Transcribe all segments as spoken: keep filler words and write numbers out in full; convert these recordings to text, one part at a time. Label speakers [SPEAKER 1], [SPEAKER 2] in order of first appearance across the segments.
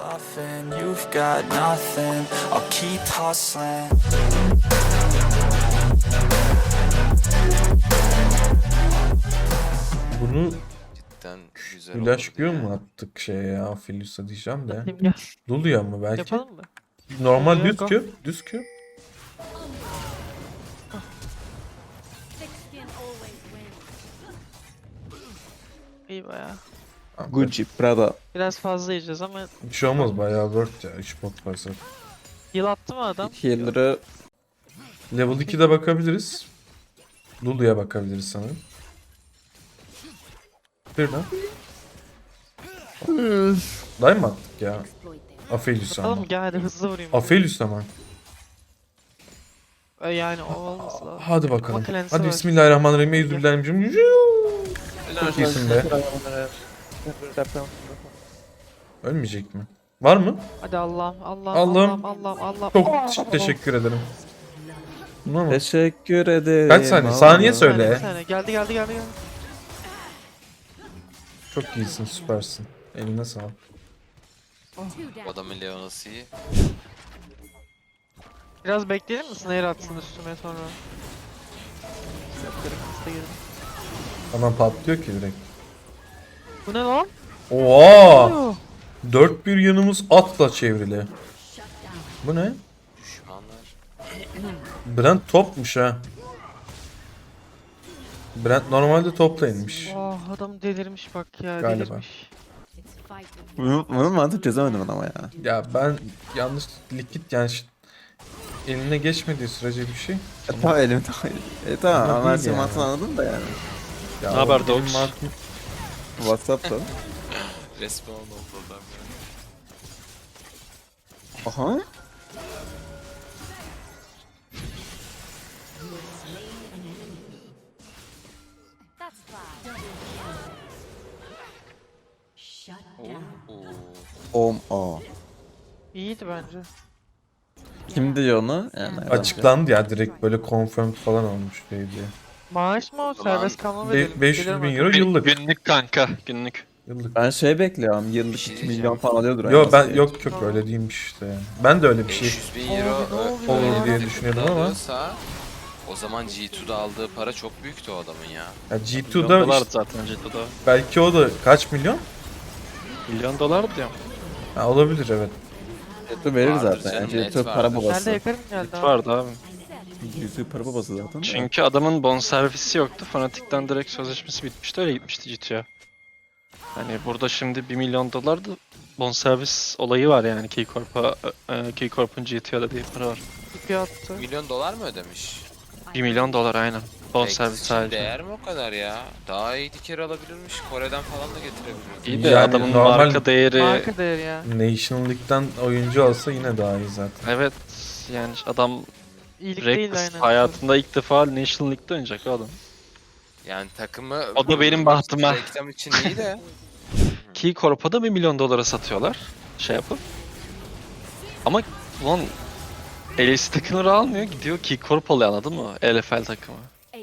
[SPEAKER 1] bluffing, you've got nothing. I'll keep hustling.
[SPEAKER 2] Bunu
[SPEAKER 3] Cidden güzel
[SPEAKER 2] flash
[SPEAKER 3] olurdu
[SPEAKER 2] göğü
[SPEAKER 3] ya.
[SPEAKER 2] mu attık şeye ya? Filus'a diyeceğim de.
[SPEAKER 4] Atayım gel.
[SPEAKER 2] Lulu'ya mı belki?
[SPEAKER 4] Yapalım mı?
[SPEAKER 2] Normal
[SPEAKER 4] Lulu'ya
[SPEAKER 2] düz
[SPEAKER 4] go.
[SPEAKER 2] Q. Düz Q.
[SPEAKER 4] İyi baya.
[SPEAKER 2] Tamam,
[SPEAKER 5] Gucci, Prada.
[SPEAKER 4] Biraz fazla yiyeceğiz ama
[SPEAKER 2] Bir şey olmaz bayağı worth ya. üç bot varsa.
[SPEAKER 4] heal attı mı adam?
[SPEAKER 5] Healer'ı
[SPEAKER 2] Level ikide bakabiliriz. Lulu'ya bakabiliriz sanırım. Bir de. Day mı attık ya? Aphelios'a
[SPEAKER 4] Atalım
[SPEAKER 2] ama.
[SPEAKER 4] mı? Gel hadi hızlı vurayım.
[SPEAKER 2] Aphelios ama.
[SPEAKER 4] E, Yani o olması lazım.
[SPEAKER 2] Hadi bakalım.
[SPEAKER 4] Ama cleanse'i
[SPEAKER 2] Hadi
[SPEAKER 4] var.
[SPEAKER 2] bismillahirrahmanirrahim. Eyyüzübillahimincim. Çok iyisin be. Ölmeyecek mi? Var mı?
[SPEAKER 4] Hadi Allah'ım Allah'ım
[SPEAKER 2] Allah'ım.
[SPEAKER 4] Allah'ım Allah'ım Allah'ım.
[SPEAKER 2] Çok
[SPEAKER 4] Oh!
[SPEAKER 2] teşekkür ederim. Buna mı?
[SPEAKER 5] teşekkür ederim.
[SPEAKER 2] Kaç saniye?
[SPEAKER 5] Allah.
[SPEAKER 2] Saniye
[SPEAKER 4] Bir
[SPEAKER 2] söyle.
[SPEAKER 4] saniye, bir saniye. Geldi geldi geldi geldi.
[SPEAKER 2] Çok iyisin, süpersin. Eline sağlık.
[SPEAKER 3] Bu adamın Leona'sı iyi.
[SPEAKER 4] Biraz bekleyelim mi? Snare atsın üstüme sonra. Yaptırım hızlı girelim.
[SPEAKER 2] Adam patlıyor ki direkt.
[SPEAKER 4] Bu ne lan?
[SPEAKER 2] Oha!
[SPEAKER 4] Oh!
[SPEAKER 2] Dört bir yanımız atla çevrili. Bu ne?
[SPEAKER 3] Düşmanlar.
[SPEAKER 2] Brent topmuş ha. Brent normalde topla inmiş.
[SPEAKER 4] Oh, adam delirmiş bak ya,
[SPEAKER 2] Galiba.
[SPEAKER 4] delirmiş.
[SPEAKER 5] Bunu, bunu mantık çözemedim ama ya.
[SPEAKER 2] Ya ben yanlış likit yani ş- eline geçmediği sürece bir şey.
[SPEAKER 5] E, tamam elim tamam. E tamam
[SPEAKER 2] Ama
[SPEAKER 5] ama her
[SPEAKER 2] değil
[SPEAKER 5] şeyi
[SPEAKER 2] yani.
[SPEAKER 5] mantığını anladım da yani.
[SPEAKER 2] Ya
[SPEAKER 6] Ne haber
[SPEAKER 2] o benim
[SPEAKER 6] Dogs?
[SPEAKER 2] mantığım-
[SPEAKER 5] Whatsapp'ta.
[SPEAKER 3] Resmen oldu adam ya.
[SPEAKER 5] Aha.
[SPEAKER 3] Oo.
[SPEAKER 5] Om o.
[SPEAKER 4] İyiydi bence.
[SPEAKER 5] Kim diyor onu? Yani
[SPEAKER 2] Açıklandı ya direkt böyle confirmed falan olmuş diye diye.
[SPEAKER 4] Maaş mı o? Serbest kalma
[SPEAKER 2] Be-
[SPEAKER 4] verelim.
[SPEAKER 2] beş yüz
[SPEAKER 4] Gelirim
[SPEAKER 2] bin
[SPEAKER 4] artık.
[SPEAKER 2] euro yıllık.
[SPEAKER 6] Günlük kanka, günlük.
[SPEAKER 2] Yıllık.
[SPEAKER 5] Ben şey bekliyorum. Yıllık
[SPEAKER 3] Bir şey
[SPEAKER 5] iki
[SPEAKER 3] diyeceğim.
[SPEAKER 5] milyon falan alıyordur.
[SPEAKER 2] Yo
[SPEAKER 5] yani.
[SPEAKER 2] ben yok yok öyle değilmiş işte yani. Ben de öyle bir şey
[SPEAKER 3] beş yüz bin euro
[SPEAKER 4] Abi, ne
[SPEAKER 3] ö-
[SPEAKER 4] oluyor
[SPEAKER 3] öyle
[SPEAKER 2] ya? diye
[SPEAKER 3] bir
[SPEAKER 2] düşünüyordum
[SPEAKER 3] tipte
[SPEAKER 2] ama.
[SPEAKER 3] alıyorsa, o zaman G iki'de aldığı para çok büyüktü o adamın ya.
[SPEAKER 2] ya G
[SPEAKER 6] Milyon
[SPEAKER 2] iki'da
[SPEAKER 6] dolar
[SPEAKER 2] işte,
[SPEAKER 6] zaten G iki'de.
[SPEAKER 2] belki o da kaç milyon?
[SPEAKER 6] Milyon dolar diyorum.
[SPEAKER 2] Ha, olabilir evet.
[SPEAKER 5] YouTube verir
[SPEAKER 3] Vardır
[SPEAKER 5] zaten.
[SPEAKER 3] canım,
[SPEAKER 5] Yani
[SPEAKER 3] net
[SPEAKER 5] YouTube para
[SPEAKER 3] vardır.
[SPEAKER 4] Nerede
[SPEAKER 5] babası.
[SPEAKER 4] yakarım geldi abi.
[SPEAKER 6] Vardı abi.
[SPEAKER 5] YouTube para babası zaten. de.
[SPEAKER 6] Çünkü adamın bonservisi yoktu. Fanatik'ten direkt sözleşmesi bitmişti. Öyle gitmişti G iki'ye. Hani burada şimdi bir milyon dolar da bonservis olayı var yani Keycorp'a. E, Keycorp'un G iki'ye ödediği para var.
[SPEAKER 4] İpi attı.
[SPEAKER 3] Milyon dolar mı ödemiş?
[SPEAKER 6] bir milyon dolar aynen. Bonservis
[SPEAKER 3] Peki,
[SPEAKER 6] sadece.
[SPEAKER 3] değer mi o kadar ya? Daha iyi diker alabilirmiş. Kore'den falan da getirebilirdi.
[SPEAKER 6] İyi de
[SPEAKER 2] Yani
[SPEAKER 6] adamın
[SPEAKER 2] normal-
[SPEAKER 6] marka değeri...
[SPEAKER 4] Marka değeri ya.
[SPEAKER 2] National League'den oyuncu alsa yine daha iyi zaten.
[SPEAKER 6] Evet yani adam
[SPEAKER 4] İyilik değil
[SPEAKER 6] Reckless
[SPEAKER 4] aynen.
[SPEAKER 6] hayatında ilk defa National League'de oynayacak o adam.
[SPEAKER 3] Yani takımı...
[SPEAKER 6] O da benim bahtıma.
[SPEAKER 3] Reklam için iyi de.
[SPEAKER 6] Keycorp'a da bir milyon dolara satıyorlar. Şey yapıp. Ama ulan L C takımları almıyor gidiyor Keycorp alıyor anladın mı? L F L takımı.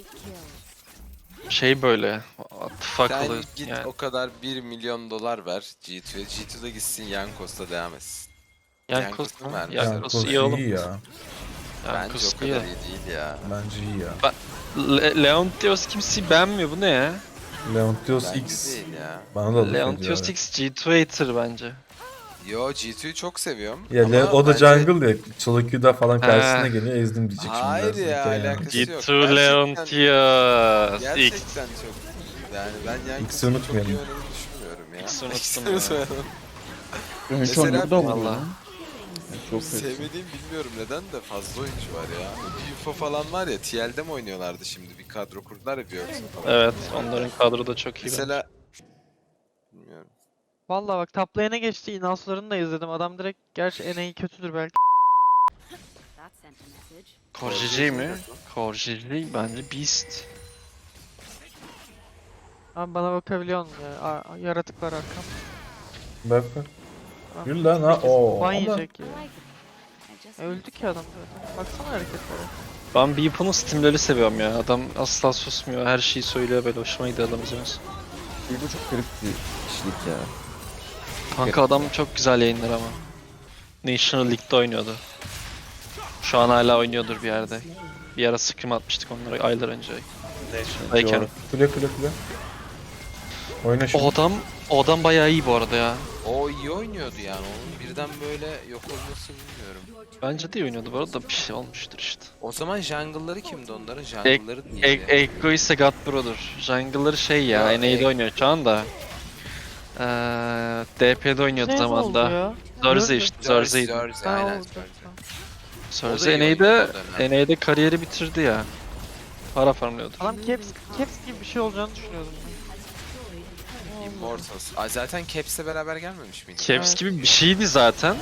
[SPEAKER 6] Şey böyle atfak
[SPEAKER 3] Sen
[SPEAKER 6] oluyor
[SPEAKER 3] git
[SPEAKER 6] yani.
[SPEAKER 3] o kadar bir milyon dolar ver G iki'ye. G iki'de gitsin Yankos'ta devam etsin.
[SPEAKER 6] Yankos
[SPEAKER 3] Yankos'u
[SPEAKER 6] mu?
[SPEAKER 3] vermişler.
[SPEAKER 6] Yankos
[SPEAKER 2] Yankos
[SPEAKER 6] iyi oğlum.
[SPEAKER 2] iyi ya.
[SPEAKER 3] Bence
[SPEAKER 6] Yankos
[SPEAKER 3] o
[SPEAKER 6] iyi
[SPEAKER 3] kadar
[SPEAKER 6] ya.
[SPEAKER 3] iyi değil ya.
[SPEAKER 2] Bence iyi ya.
[SPEAKER 6] Le Leontios kimseyi beğenmiyor bu ne ya?
[SPEAKER 2] Leontios
[SPEAKER 3] Bence
[SPEAKER 2] X
[SPEAKER 3] değil ya.
[SPEAKER 2] bana da laf ediyor.
[SPEAKER 6] Leontios
[SPEAKER 2] evet.
[SPEAKER 6] X G iki hater bence.
[SPEAKER 3] Yo G iki'yi çok seviyorum.
[SPEAKER 2] Ya
[SPEAKER 3] ama
[SPEAKER 2] Le- o da
[SPEAKER 3] bence-
[SPEAKER 2] jungle ya. Solo Q'da falan karşısına
[SPEAKER 6] Ha.
[SPEAKER 2] geliyor ezdim diyecek şimdi.
[SPEAKER 3] Hayır
[SPEAKER 2] biraz.
[SPEAKER 3] ya,
[SPEAKER 2] Hikaye
[SPEAKER 3] alakası
[SPEAKER 2] yani.
[SPEAKER 6] G
[SPEAKER 3] yok.
[SPEAKER 6] iki
[SPEAKER 3] Gerçekten-
[SPEAKER 6] Leontios X.
[SPEAKER 3] Gerçekten çok. Yani ben
[SPEAKER 2] X'i
[SPEAKER 3] Yankos'un çok iyi
[SPEAKER 2] unutmayalım.
[SPEAKER 3] oynadığını düşünmüyorum ya.
[SPEAKER 6] X'i unuttum
[SPEAKER 3] X'i
[SPEAKER 6] ya.
[SPEAKER 3] unutmayalım.
[SPEAKER 5] Ön şu
[SPEAKER 3] Mesela
[SPEAKER 5] an burada
[SPEAKER 6] valla.
[SPEAKER 5] oldu. Çok kötü.
[SPEAKER 3] Sevmediğim bilmiyorum neden de fazla oyuncu var ya. Bir U F O falan var ya T L'de mi oynuyorlardı şimdi bir kadro kurdular ya Björksen falan.
[SPEAKER 6] Evet onların kadro da çok iyi. bence.
[SPEAKER 3] Mesela bilmiyorum.
[SPEAKER 4] Valla bak top lane'e geçti. Inhouse'larını da izledim. Adam direkt gerçi N A kötüdür belki.
[SPEAKER 6] Korjici mi? Korjici bence Beast.
[SPEAKER 4] Abi bana bakabiliyor musun ya? Aa, yaratık var arkam.
[SPEAKER 2] Bak bak. Yürü lan ha. Oo.
[SPEAKER 4] Ban
[SPEAKER 2] ama-
[SPEAKER 4] yiyecek ya. E, öldü ki adam zaten. Baksana hareketlere.
[SPEAKER 6] Ben Beepo'nun Steam'leri seviyorum ya. Adam asla susmuyor. Her şeyi söylüyor böyle. Hoşuma gidiyor adam izlemesi.
[SPEAKER 5] Bu çok garip bir kişilik ya.
[SPEAKER 6] Kanka adam çok güzel yayınlar ama. National League'de oynuyordu. Şu an hala oynuyordur bir yerde. Bir ara scrim atmıştık onlara aylar önce. National'dayken.
[SPEAKER 5] Doğru.
[SPEAKER 2] Kule kule kule. Oyna şimdi.
[SPEAKER 6] O adam, o adam bayağı iyi bu arada ya.
[SPEAKER 3] O iyi oynuyordu yani. Onun birden böyle yok olması bilmiyorum.
[SPEAKER 6] Bence de iyi oynuyordu bu arada, bir şey olmuştur işte.
[SPEAKER 3] O zaman jungle'ları kimdi onların?
[SPEAKER 6] Ek,
[SPEAKER 3] Jungle'ları
[SPEAKER 6] Ek,
[SPEAKER 3] neydi?
[SPEAKER 6] Ekko ise God Brother. Jungle'ları şey ya,
[SPEAKER 3] Ya,
[SPEAKER 6] N A'de
[SPEAKER 3] Ek-
[SPEAKER 6] oynuyor şu anda. Ee, D P'de oynuyordu
[SPEAKER 4] Ne oldu
[SPEAKER 6] zamanda.
[SPEAKER 4] ya?
[SPEAKER 6] Zorze
[SPEAKER 4] Gördüm.
[SPEAKER 6] işte,
[SPEAKER 3] Zerze,
[SPEAKER 6] Zorzeydi.
[SPEAKER 3] Zerze,
[SPEAKER 4] Ha,
[SPEAKER 3] aynen
[SPEAKER 4] oldu.
[SPEAKER 3] Zerze. O da
[SPEAKER 6] Zorze
[SPEAKER 3] iyi
[SPEAKER 6] N A'de,
[SPEAKER 3] oynuyordu o dönem.
[SPEAKER 6] N A'de kariyeri bitirdi ya. Para farmlıyordu.
[SPEAKER 4] Adam caps, caps gibi bir şey olacağını düşünüyordum.
[SPEAKER 3] Immortals. Aa, zaten Caps'le beraber gelmemiş miydi?
[SPEAKER 6] Caps
[SPEAKER 4] Evet.
[SPEAKER 6] gibi bir şeydi zaten.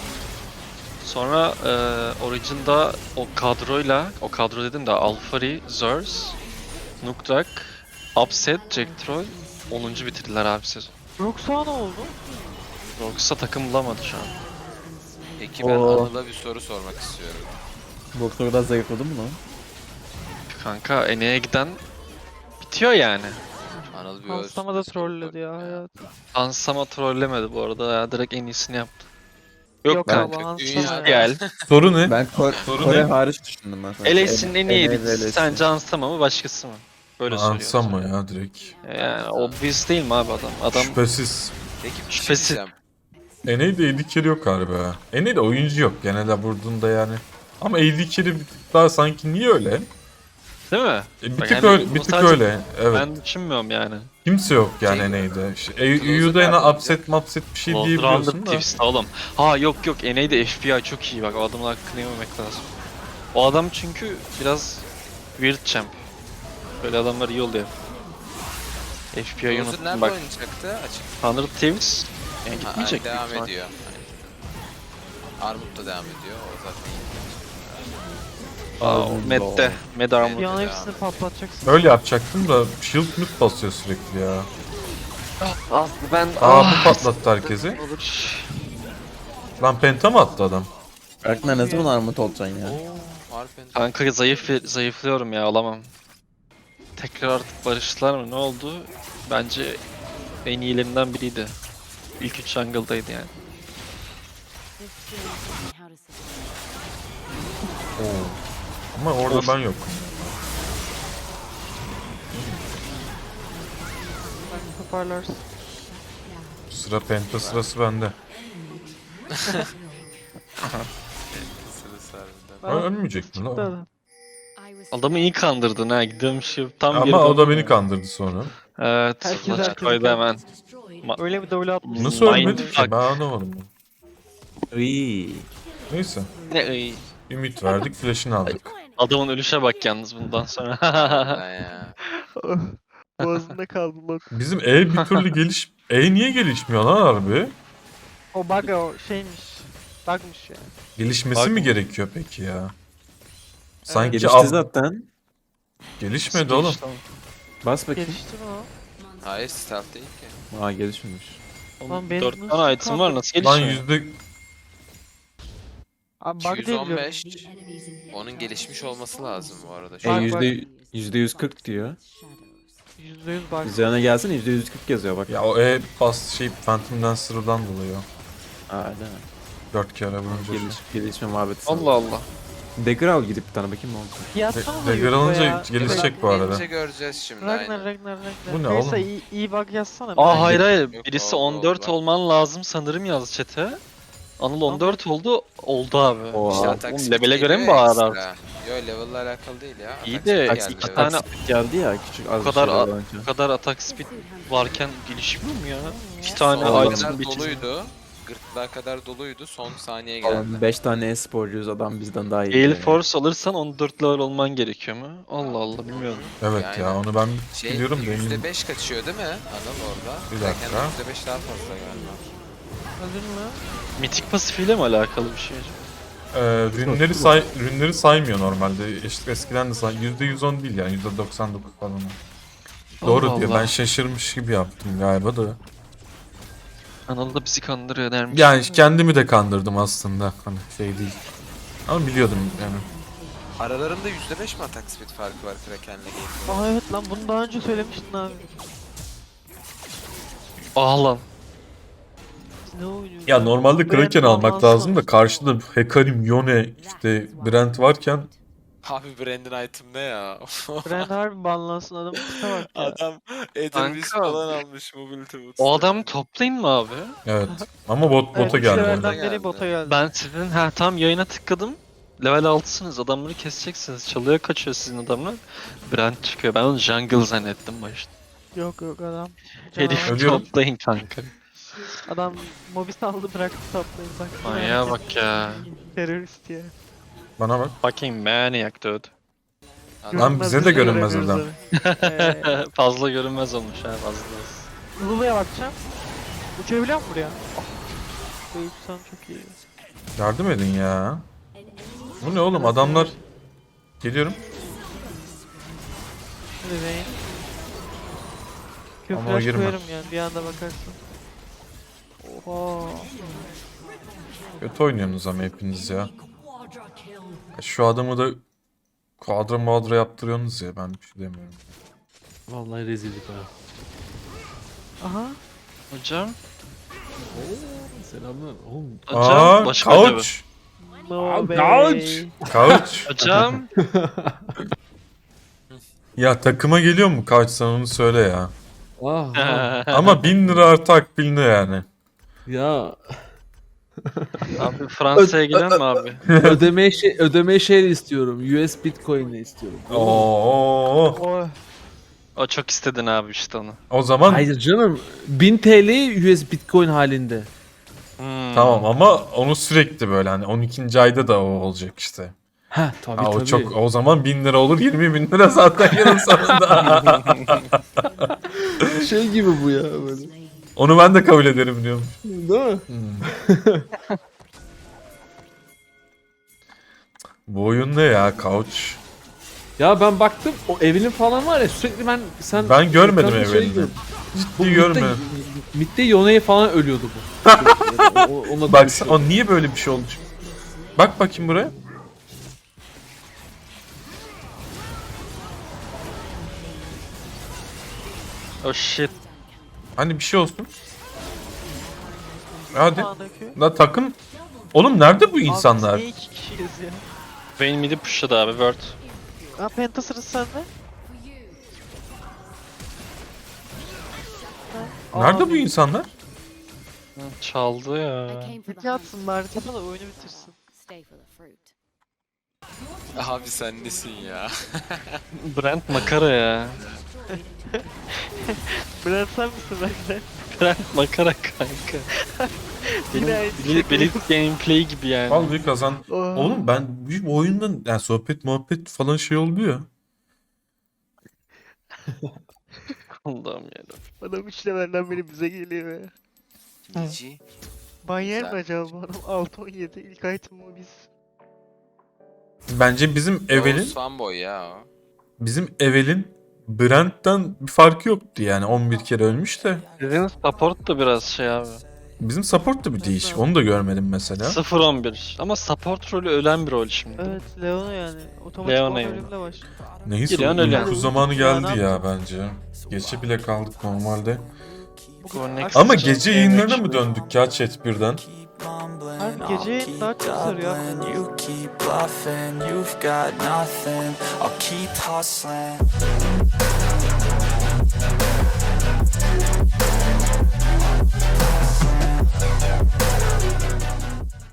[SPEAKER 6] Sonra e, Origin'da o kadroyla, o kadro dedim de Alphari, Zers, Nukdrak, Upset, Jack Troll onuncu bitirdiler abi sezon.
[SPEAKER 4] Rox'a ne oldu?
[SPEAKER 6] Rox'a takım bulamadı şu an.
[SPEAKER 3] Peki ben
[SPEAKER 5] Oo.
[SPEAKER 3] Anıl'a bir soru sormak istiyorum.
[SPEAKER 5] Doktor da zayıfladı mı lan?
[SPEAKER 6] Kanka N A'ya giden bitiyor yani.
[SPEAKER 3] Anıl bir
[SPEAKER 4] Hansama da
[SPEAKER 3] ölsün,
[SPEAKER 4] trolledi ya
[SPEAKER 3] sorun
[SPEAKER 4] hayatım.
[SPEAKER 6] Ansama trollemedi bu arada ya, direkt en iyisini yaptı. Yok,
[SPEAKER 4] Yok
[SPEAKER 6] kanka.
[SPEAKER 4] abi Hansama
[SPEAKER 3] dünya-
[SPEAKER 4] ya.
[SPEAKER 6] Gel.
[SPEAKER 2] Soru ne?
[SPEAKER 5] Ben Ko-
[SPEAKER 2] Soru
[SPEAKER 5] Kore
[SPEAKER 2] ne?
[SPEAKER 5] hariç düşündüm ben. sadece.
[SPEAKER 6] L S'in en
[SPEAKER 5] N-
[SPEAKER 6] iyiydi.
[SPEAKER 5] N- L S.
[SPEAKER 6] Sence Ansama mı başkası mı? Böyle
[SPEAKER 2] Ansam
[SPEAKER 6] söylüyorum.
[SPEAKER 2] mı ya direkt?
[SPEAKER 6] Yani obvious değil mi abi adam? Adam
[SPEAKER 2] Şüphesiz.
[SPEAKER 3] Peki bir şey
[SPEAKER 6] Şüphesiz.
[SPEAKER 3] diyeceğim.
[SPEAKER 2] N A'de A D carry yok galiba. N A'de oyuncu yok genelde vurduğunda yani. Ama A D carry bir tık daha sanki niye öyle?
[SPEAKER 6] değil mi?
[SPEAKER 2] E, bir
[SPEAKER 6] Bak
[SPEAKER 2] tık
[SPEAKER 6] yani
[SPEAKER 2] öyle, bir
[SPEAKER 6] bu
[SPEAKER 2] tık
[SPEAKER 6] sadece
[SPEAKER 2] öyle. Evet.
[SPEAKER 6] Ben düşünmüyorum yani.
[SPEAKER 2] Kimse yok yani
[SPEAKER 3] Şey-
[SPEAKER 2] N A'de. İşte,
[SPEAKER 3] Closer
[SPEAKER 2] E U'da
[SPEAKER 3] nerede
[SPEAKER 2] yine
[SPEAKER 3] olacak?
[SPEAKER 2] upset mapset bir şey
[SPEAKER 6] World
[SPEAKER 2] diyebiliyorsun
[SPEAKER 6] Rounded
[SPEAKER 2] da.
[SPEAKER 6] Thieves oğlum. Ha yok yok, N A'de F B I çok iyi bak, o adamın hakkını yememek lazım. O adam çünkü biraz weird champ. Böyle adamlar iyi oluyor. F B I'yi
[SPEAKER 3] Closer
[SPEAKER 6] unuttum
[SPEAKER 3] nerede
[SPEAKER 6] bak.
[SPEAKER 3] oynayacaktı? Açık.
[SPEAKER 6] Hundred Thieves yani
[SPEAKER 3] Ha,
[SPEAKER 6] gitmeyecek.
[SPEAKER 3] devam
[SPEAKER 6] büyük ihtimal.
[SPEAKER 3] ediyor. Aynen. Armut da devam ediyor. O zaten iyi.
[SPEAKER 6] Aa, o Med'de. Med Armor.
[SPEAKER 4] Bir an
[SPEAKER 3] Devam.
[SPEAKER 4] hepsini patlatacaksın.
[SPEAKER 2] Öyle yapacaktım da shield mid basıyor sürekli ya.
[SPEAKER 6] Ah ben
[SPEAKER 2] Aa bu patlattı herkesi.
[SPEAKER 6] olur.
[SPEAKER 2] Lan penta mı attı adam?
[SPEAKER 5] Berkner ne zaman armut olacaksın ya?
[SPEAKER 3] Oo, Harpen.
[SPEAKER 6] Kanka zayıf zayıflıyorum ya, alamam. Tekrar artık barıştılar mı, ne oldu? Bence en iyilerinden biriydi. İlk üç jungle'daydı yani.
[SPEAKER 2] Oo. Ama orada
[SPEAKER 6] Of.
[SPEAKER 2] ben yok.
[SPEAKER 4] Toparlarsın.
[SPEAKER 2] Sıra penta sırası bende.
[SPEAKER 3] Sırası harbiden.
[SPEAKER 2] Ö- Ölmeyecek mi
[SPEAKER 4] Çıktı
[SPEAKER 2] lan?
[SPEAKER 4] adam.
[SPEAKER 6] Adamı iyi kandırdın ha, gidiyormuş tam
[SPEAKER 2] Ama
[SPEAKER 6] geri
[SPEAKER 2] o da
[SPEAKER 6] döndü.
[SPEAKER 2] beni kandırdı sonra.
[SPEAKER 6] Evet,
[SPEAKER 4] Herkes
[SPEAKER 6] maç
[SPEAKER 4] herkesi
[SPEAKER 6] koydu hemen.
[SPEAKER 4] Öyle bir double atmış.
[SPEAKER 2] Nasıl
[SPEAKER 6] Mind
[SPEAKER 2] ölmedi ki?
[SPEAKER 6] fuck.
[SPEAKER 2] Ben anlamadım.
[SPEAKER 5] Iiii.
[SPEAKER 2] Neyse.
[SPEAKER 6] Ne iyi.
[SPEAKER 2] Ümit verdik, flash'ını aldık.
[SPEAKER 6] Adamın ölüşe bak yalnız bundan sonra.
[SPEAKER 3] Harbiden ya.
[SPEAKER 4] Boğazında kaldı lan.
[SPEAKER 2] Bizim E bir türlü geliş... E niye gelişmiyor lan harbi?
[SPEAKER 4] O bug o şeymiş. Bugmış ya.
[SPEAKER 2] Gelişmesi
[SPEAKER 6] Bak-
[SPEAKER 2] mi gerekiyor peki ya? Sanki
[SPEAKER 5] Gelişti
[SPEAKER 2] ab-
[SPEAKER 5] zaten.
[SPEAKER 2] gelişmedi oğlum.
[SPEAKER 5] Bas bakayım.
[SPEAKER 4] Gelişti mi o?
[SPEAKER 3] Hayır stealth değil ki.
[SPEAKER 5] Aa gelişmemiş.
[SPEAKER 4] Lan benim
[SPEAKER 6] dört
[SPEAKER 4] nasıl
[SPEAKER 6] tane item var, nasıl
[SPEAKER 2] Lan
[SPEAKER 6] gelişmiyor?
[SPEAKER 2] yüzde...
[SPEAKER 4] Abi bug diye biliyorum.
[SPEAKER 3] yüz on beş. Onun gelişmiş olması lazım bu arada.
[SPEAKER 5] E
[SPEAKER 3] Şu an.
[SPEAKER 4] Bak, bak.
[SPEAKER 5] yüzde yüzde yüz kırk diyor.
[SPEAKER 4] yüzde yüz bug.
[SPEAKER 5] Üzerine gelsene yüzde yüz kırk yazıyor bak.
[SPEAKER 2] Ya o E bas şey Phantom Dancer'dan dolayı o.
[SPEAKER 5] Aa değil mi?
[SPEAKER 2] Dört kere vurunca.
[SPEAKER 5] Geliş, gelişme muhabbeti.
[SPEAKER 6] Allah Allah.
[SPEAKER 5] Dagger al gidip bir tane bakayım ne olacak.
[SPEAKER 4] Yatsana da
[SPEAKER 2] Dagger
[SPEAKER 4] YouTube'a
[SPEAKER 2] alınca
[SPEAKER 4] ya.
[SPEAKER 2] gelişecek bu arada.
[SPEAKER 3] Gelince göreceğiz şimdi.
[SPEAKER 4] Ragnar,
[SPEAKER 3] aynen.
[SPEAKER 4] Ragnar, Ragnar.
[SPEAKER 2] Bu ne
[SPEAKER 4] Neyse,
[SPEAKER 2] oğlum?
[SPEAKER 4] iyi, iyi bug yazsana.
[SPEAKER 6] Aa hayır hayır,
[SPEAKER 3] Yok,
[SPEAKER 6] birisi
[SPEAKER 3] oldu,
[SPEAKER 6] on dört
[SPEAKER 3] oldu.
[SPEAKER 6] olman lazım sanırım yaz chat'e. Anıl on dört oldu, oldu abi.
[SPEAKER 5] Oha.
[SPEAKER 3] İşte
[SPEAKER 5] Aa,
[SPEAKER 3] atak
[SPEAKER 6] oğlum
[SPEAKER 3] speed
[SPEAKER 6] level'e göre mi
[SPEAKER 3] geliyor ya
[SPEAKER 6] bağır
[SPEAKER 3] ekstra. Yo level'la alakalı değil ya.
[SPEAKER 6] İyi
[SPEAKER 3] Atak
[SPEAKER 6] de
[SPEAKER 3] speed
[SPEAKER 6] iki
[SPEAKER 3] geldi,
[SPEAKER 6] tane-
[SPEAKER 3] evet.
[SPEAKER 5] geldi ya küçük az
[SPEAKER 6] Bu kadar
[SPEAKER 5] bir şey
[SPEAKER 6] a-
[SPEAKER 5] önce.
[SPEAKER 6] Bu kadar atak speed varken gelişmiyor mu ya? İki
[SPEAKER 3] Son
[SPEAKER 6] tane
[SPEAKER 5] Aynen.
[SPEAKER 6] item
[SPEAKER 3] kadar
[SPEAKER 6] bitirdim.
[SPEAKER 3] doluydu. Gırtlağa kadar doluydu. Son saniye geldi.
[SPEAKER 5] Falan beş tane e-sporcuyuz adam bizden daha iyi.
[SPEAKER 6] Gale
[SPEAKER 5] yani.
[SPEAKER 6] Force alırsan on dört level olman gerekiyor mu? Allah Allah, bilmiyorum.
[SPEAKER 2] Evet
[SPEAKER 3] Yani.
[SPEAKER 2] ya onu ben
[SPEAKER 3] Şey,
[SPEAKER 2] biliyorum da
[SPEAKER 3] yüzde
[SPEAKER 2] emin...
[SPEAKER 3] beş kaçıyor değil mi Anıl orada?
[SPEAKER 2] Bir dakika.
[SPEAKER 3] Kraken'de yüzde beş daha fazla galiba.
[SPEAKER 4] Öldün mü?
[SPEAKER 6] Mitik pasifiyle mi alakalı bir şey acaba?
[SPEAKER 2] Ee, rünleri, say, rünleri saymıyor normalde. İşte eskiden de say... yüzde yüz on değil yani yüzde doksan dokuz falan. Doğru
[SPEAKER 6] Allah
[SPEAKER 2] diyor.
[SPEAKER 6] Allah.
[SPEAKER 2] Ben şaşırmış gibi yaptım galiba da.
[SPEAKER 6] Anıl da bizi kandırıyor dermiş.
[SPEAKER 2] Yani kendimi de kandırdım aslında. Hani şey değil. Ama biliyordum yani.
[SPEAKER 3] Aralarında yüzde beş mi atak speed farkı var Kraken'le Gale'in?
[SPEAKER 4] Aa evet lan bunu daha önce söylemiştin abi.
[SPEAKER 6] Ah lan.
[SPEAKER 4] Ne oynuyor?
[SPEAKER 2] Ya normalde
[SPEAKER 4] Brand
[SPEAKER 2] Kraken almak
[SPEAKER 4] almazsan.
[SPEAKER 2] lazım da karşıda Hekarim, Yone, işte Brent varken
[SPEAKER 3] Abi Brandon item ne ya?
[SPEAKER 4] Brand harbi banlansın, adamın tipe bak ya.
[SPEAKER 3] Adam Edelweiss
[SPEAKER 6] Kanka.
[SPEAKER 3] falan almış Mobility Boots'ta.
[SPEAKER 6] O adamı toplayın mı abi?
[SPEAKER 2] evet. Ama bot
[SPEAKER 4] Evet,
[SPEAKER 2] bota
[SPEAKER 4] üç
[SPEAKER 2] geldi.
[SPEAKER 4] levelden
[SPEAKER 3] geldi.
[SPEAKER 4] beri bota geldi.
[SPEAKER 6] Ben sizin ha tam yayına tıkladım. Level altısınız. Adamları keseceksiniz. Çalıya kaçıyor sizin adamlar. Brand çıkıyor. Ben onu jungle zannettim başta.
[SPEAKER 4] Yok yok adam.
[SPEAKER 6] Herifi
[SPEAKER 4] Canavar.
[SPEAKER 2] Ölüyorum.
[SPEAKER 6] toplayın kanka.
[SPEAKER 4] Adam mobis aldı bıraktı toplayın bak.
[SPEAKER 6] Manyağa bak ya.
[SPEAKER 4] Terörist ya.
[SPEAKER 2] Bana bak.
[SPEAKER 6] Fucking maniac dude.
[SPEAKER 2] Lan bize de görünmez adam.
[SPEAKER 4] Eee
[SPEAKER 6] Fazla görünmez olmuş ha fazla.
[SPEAKER 4] Lulu'ya bakacağım. Uçabiliyor mu buraya? Oh. Böyle uçsam çok iyi.
[SPEAKER 2] Yardım edin ya. Bu ne oğlum, adamlar... Geliyorum.
[SPEAKER 4] Hadi beyin.
[SPEAKER 2] Ama
[SPEAKER 4] Köfreş
[SPEAKER 2] girme.
[SPEAKER 4] koyarım yani bir anda bakarsın. Oha.
[SPEAKER 2] Kötü oynuyorsunuz ama hepiniz ya. Şu adamı da kuadra muadra yaptırıyorsunuz ya, ben bir şey demiyorum.
[SPEAKER 7] Vallahi rezillik ha.
[SPEAKER 4] Aha.
[SPEAKER 6] Hocam.
[SPEAKER 7] Selamlar. Oğlum.
[SPEAKER 6] Hocam.
[SPEAKER 2] Aa,
[SPEAKER 6] başka acaba?
[SPEAKER 2] couch.
[SPEAKER 4] No
[SPEAKER 7] Abi,
[SPEAKER 4] way.
[SPEAKER 7] couch.
[SPEAKER 2] Couch.
[SPEAKER 6] Hocam.
[SPEAKER 2] Ya takıma geliyor mu couch, sen onu söyle ya.
[SPEAKER 7] Ah, ah.
[SPEAKER 2] Ama bin lira artı akbilini yani.
[SPEAKER 7] Ya
[SPEAKER 6] Abi Fransa'ya gelen mi abi?
[SPEAKER 7] ödeme şey ödeme şey istiyorum. U S Bitcoin'le istiyorum.
[SPEAKER 2] Oo.
[SPEAKER 4] Oh.
[SPEAKER 6] O çok istedin abi işte onu.
[SPEAKER 2] O zaman
[SPEAKER 7] Hayır canım. bin T L U S Bitcoin halinde.
[SPEAKER 6] Hmm.
[SPEAKER 2] tamam, ama onu sürekli böyle hani on ikinci ayda da o olacak işte.
[SPEAKER 7] Ha tabii
[SPEAKER 2] Ha, o
[SPEAKER 7] tabii.
[SPEAKER 2] çok, o zaman bin lira olur, yirmi bin lira zaten yılın sonunda.
[SPEAKER 7] şey gibi bu ya böyle.
[SPEAKER 2] Onu ben de kabul ederim diyorum.
[SPEAKER 7] Değil mi?
[SPEAKER 2] Bu oyun ne ya, couch?
[SPEAKER 7] Ya ben baktım o evinin falan var ya sürekli ben sen
[SPEAKER 2] Ben görmedim
[SPEAKER 7] ekranda şey
[SPEAKER 2] evini.
[SPEAKER 7] gördüm. Bu
[SPEAKER 2] Ciddi görmedim.
[SPEAKER 7] Mitte Yone'ye falan ölüyordu bu. O- o- Ona
[SPEAKER 2] Bak
[SPEAKER 7] dönüşüyor.
[SPEAKER 2] o niye böyle bir şey oldu? Bak bakayım buraya.
[SPEAKER 6] Oh shit.
[SPEAKER 2] Hani bir şey olsun. Hadi.
[SPEAKER 4] Sağdaki.
[SPEAKER 2] La takım. Oğlum nerede bu insanlar?
[SPEAKER 4] Abi niye iki kişiyiz ya?
[SPEAKER 6] Vayne midi pushladı abi word.
[SPEAKER 4] Ha penta sırası sende. Ha,
[SPEAKER 2] Nerede
[SPEAKER 4] abi,
[SPEAKER 2] bu insanlar?
[SPEAKER 6] Hı, çaldı ya.
[SPEAKER 4] Ulti atsın bari tapa da oyunu bitirsin.
[SPEAKER 3] Abi sen nesin ya?
[SPEAKER 6] Brent makara ya.
[SPEAKER 4] Bülent sen misin bende?
[SPEAKER 6] Brent makara kanka.
[SPEAKER 4] Yine
[SPEAKER 6] Benim
[SPEAKER 4] aynı
[SPEAKER 6] Blitz
[SPEAKER 4] şey.
[SPEAKER 6] Blitz gameplay gibi yani.
[SPEAKER 2] Vallahi kazan.
[SPEAKER 4] Oha.
[SPEAKER 2] Oğlum ben bu oyundan yani sohbet muhabbet falan şey oluyor.
[SPEAKER 6] Allah'ım ya.
[SPEAKER 4] Adam üç levelden beri bize geliyor ya.
[SPEAKER 3] Nici.
[SPEAKER 4] Ban yer mi
[SPEAKER 3] Güzel.
[SPEAKER 4] acaba bu adam? altı on yedi ilk item o biz.
[SPEAKER 2] Bence bizim Evel'in
[SPEAKER 3] Evelin. Fanboy ya o.
[SPEAKER 2] bizim Evel'in Brent'ten bir farkı yoktu yani, on bir kere ölmüş de.
[SPEAKER 6] Sizin support da biraz şey abi.
[SPEAKER 2] Bizim support da bir değişik. Onu da görmedim mesela.
[SPEAKER 6] sıfır on bir. Ama support rolü ölen bir rol şimdi.
[SPEAKER 4] Evet Leona yani. Otomatik
[SPEAKER 6] Leona
[SPEAKER 4] Leona
[SPEAKER 6] yani.
[SPEAKER 4] ölümle başlıyor.
[SPEAKER 2] Neyse,
[SPEAKER 6] Geliyorsun öyle.
[SPEAKER 2] uyku zamanı geldi ya bence. Geçe bile kaldık normalde.
[SPEAKER 6] Go next.
[SPEAKER 2] Ama
[SPEAKER 6] Just
[SPEAKER 2] gece
[SPEAKER 6] game
[SPEAKER 2] yayınlarına mı
[SPEAKER 6] actually.
[SPEAKER 2] döndük ya chat birden?
[SPEAKER 4] Harbi gece daha çok sarıyor.
[SPEAKER 1] You keep bluffing, you've got nothing. I'll keep hustling.